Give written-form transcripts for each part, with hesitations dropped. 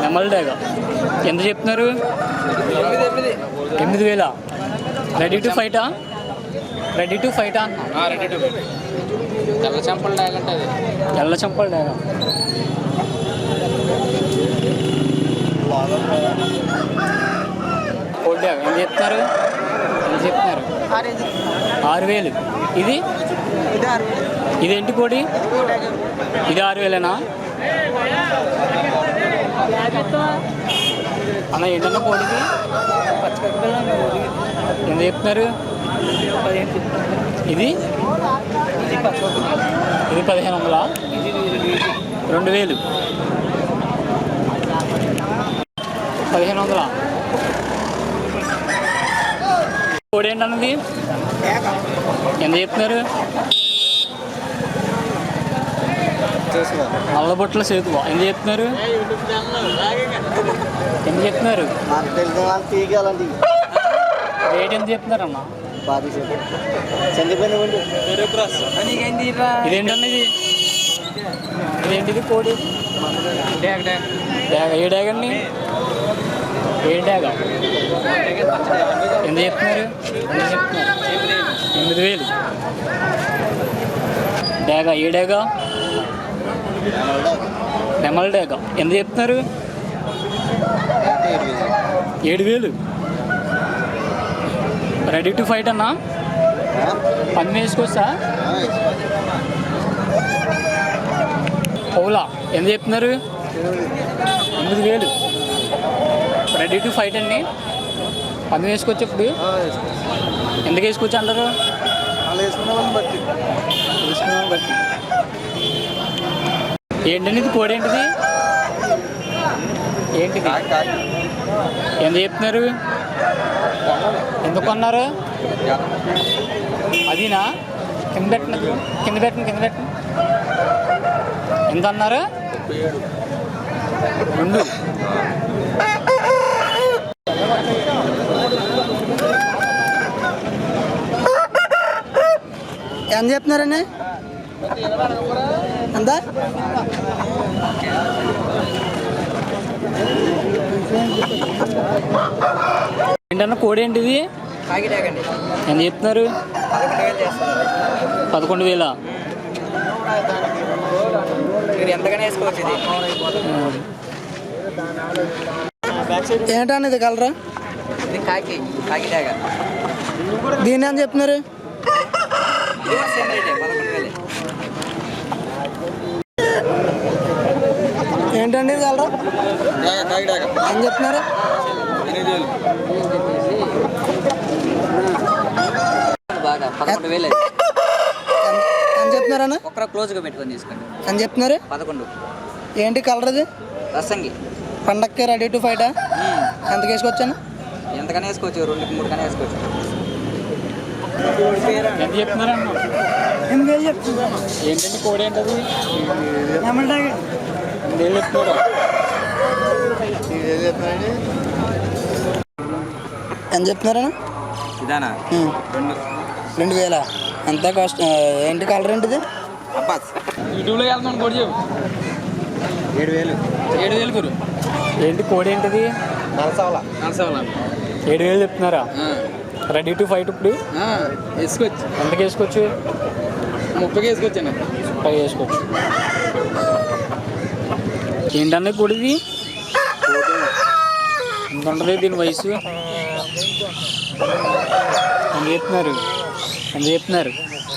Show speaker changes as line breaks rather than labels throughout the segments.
నెమల్ dog ఎంత చెప్తున్నారు? 8,000. Ready to ఫైటా? రెడీ టు ఫైటా?
Ready to fight. తెల్ల చెంపల డాగ్ అంటే అది.
తెల్ల చెంపల డాగ్. కోడి డాగ్ ఎంత చెప్తున్నారు? 6,000. ఇదేంటి కోడి? ఇది 6,000ఏనా అన్న? ఏంటన్నా కోడికి ఎంత చెప్తున్నారు? ఇది 1,500. 2,000. 1,500. కోడి ఏంటన్నది ఎంత చెప్తున్నారు? నల్లబొట్ల సేతువా ఎంత చెప్తున్నారు? రేట్ ఎంత చెప్తున్నారు అన్న? ఇదేంటన్నా ఇదేంటిది కోడి? డాగ్. ఏ డాగ్ అండి? ఏ డాగ్ ఎంత చెప్తున్నారు? 8,000. డాగా? ఏ డాగా? నెమల్ డాగా ఎంత చెప్తున్నారు? 7,000. రెడీ టు ఫైట్ అన్నా? పని వేసుకోవచ్చా? పౌలా ఎంత చెప్తున్నారు? 8,000. రెడీ టు ఫైట్ అండి. పని వేసుకోవచ్చు. ఇప్పుడు ఎందుకు వేసుకోవచ్చు అంటారు? వేసుకున్నామని బట్టి. ఏంటండి ఇది? కోడి ఏంటిది? ఎంత చెప్తున్నారు? ఎందుకు కొన్నారు? అదినా? కింద పెట్టండి. ఎంత అన్నారు? 2.
ఎంత చెప్తున్నారండి? ఎంత?
ఏంటన్నా కోడి ఏంటిది? ఎంత చెప్తున్నారు? 11,000.
ఏంటన్నా ఇది కలరా? దీన్ని ఎంత చెప్తున్నారు? ఏంటండి ఇది కలరా? ఏం చెప్తున్నారు? ఎంత చెప్తున్నారన్నా?
క్లోజ్గా పెట్టుకొని తీసుకోండి.
ఎంత చెప్తున్నారు?
11.
ఏంటి కలర్ ఇది?
రసంగి.
పండక్కి రెడీ టు ఫైటా? ఎంత వేసుకోవచ్చాను?
ఎంతకనే వేసుకోవచ్చు. 2-3 కనే వేసుకోవచ్చు.
ఎంత చెప్తున్నారు?
8,000 చెప్తున్నారు.
ఏంటండి కోడి ఏంటది?
ఏమంటారు?
8,000 చెప్తున్నారా?
ఎంత చెప్తున్నారన్నా?
ఇదానా?
2,000. ఎంత కాస్ట్? ఏంటి కలర్ ఏంటిది?
యూట్యూబ్లో వెళ్తున్నాను కోడి చెప్పు. 7,000 గురు. ఏంటి కోడి ఏంటిది?
నలసవల.
7,000 చెప్తున్నారా? Ready to fight. ఇప్పుడు
వేసుకోవచ్చు.
ఎంతకి వేసుకోవచ్చు?
30కి వేసుకోవచ్చండి.
30 వేసుకోవచ్చు. ఏంటన్నా కోడిది? ఎంత ఉంటుంది దీని వయసు? ఎంత చెప్తున్నారు?
5 చెప్తున్నారు.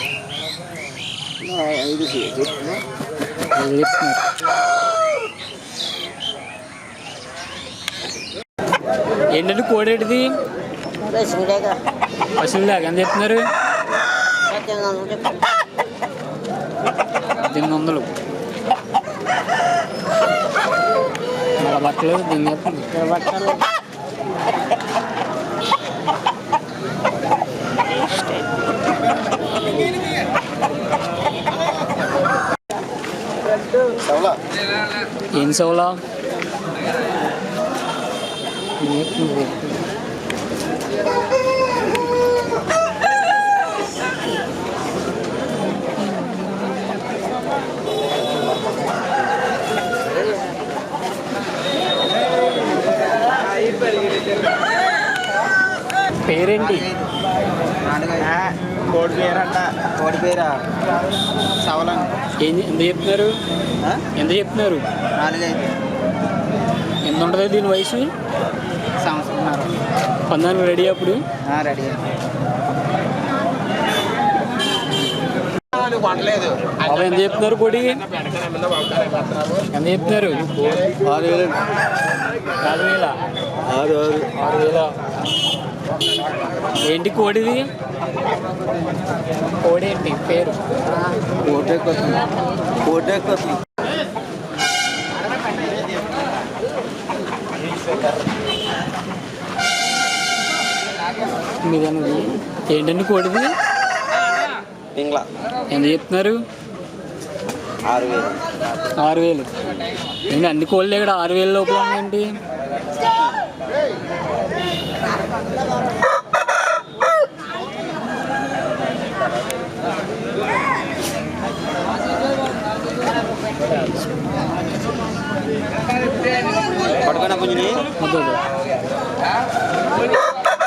ఏంటంటే కోడి ఏంటిది? పశువుల దాకా ఎంత చెప్తున్నారు? 800. బట్టలు దీన్ని బట్టలు ఏం సౌలా? పేరేంటి?
కోడి పేరంట. కోడి పేరా సవలం.
ఎంత చెప్తున్నారు? ఎంత చెప్తున్నారు?
4-5
ఎంత ఉంటుంది దీని వయసు?
సంవత్సరం.
పందానికి రెడీ అప్పుడు?
రెడీ. వండలేదు.
బాబా ఎంత చెప్తున్నారు కోడి? ఎంత చెప్తున్నారు?
6,000.
4,000.
6,000.
6,000. ఏంటి కోడిది? కోడి ఏంటి పేరు?
కోటెక్కొస్తుంది.
మీదన్నది ఏంటండి కోడిది?
ఇంగ్లా.
ఎంత చెప్తున్నారు?
6,000.
6,000. ఏంటి అన్ని కోళ్ళు ఇక్కడ 6,000 లోపల ఉన్నాయండి?
పడుకున్నా పుంజుని.
వద్దు.